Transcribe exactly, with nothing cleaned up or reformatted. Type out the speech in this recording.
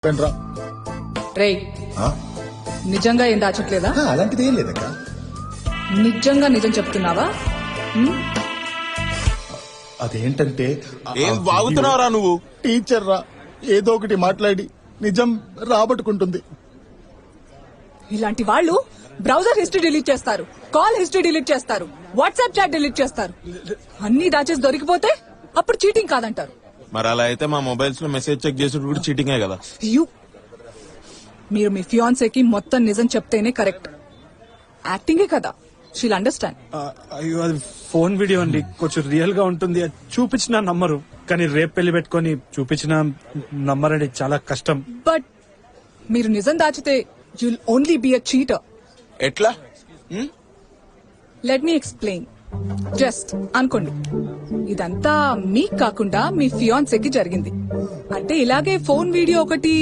రా రే నిజంగా ఏం దాచట్లేదా? అలాంటిది ఏం లేదక్క. నిజంగా నిజం చెప్తున్నావా? హ్మ్? అదేంటంటే ఏం వాగుతున్నావురా నువ్వు? టీచర్ రా ఏదో ఒకటి మాట్లాడి నిజం రాబట్టుకుంటుంది. ఇలాంటి వాళ్ళు బ్రౌజర్ హిస్టరీ డిలీట్ చేస్తారు, కాల్ హిస్టరీ డిలీట్ చేస్తారు, వాట్సాప్ చాట్ డిలీట్ చేస్తారు. అన్ని దాచేసి దొరికిపోతే అప్పుడు చీటింగ్ కాదంటారు. మరి అలా అయితే మా మొబైల్స్ లో మెసేజ్ చెక్ చేసేది కూడా చీటింగే కదా. యు మీరు మీ ఫియాన్సేకి మొత్తం నిజం చెప్తేనే కరెక్ట్. యాక్టింగే కదా, షీల్ అండర్స్టాండ్. అయ్యో అది ఫోన్ వీడియో అండి, కొంచెం రియల్ గా ఉంటుంది. అది చూపించిన నమ్మరు, కానీ రేపు పెళ్లి పెట్టుకుని చూపించిన నమ్మరండి, చాలా కష్టం. బట్ మీరు నిజం దాచితే you'll only be a cheater. ఎట్లా? Let me explain. జస్ట్ అనుకోండి, ఇదంతా మీకు కాకుండా మీ ఫియాన్సేకి జరిగింది అంటే ఇలాగే ఫోన్ వీడియో ఒకటి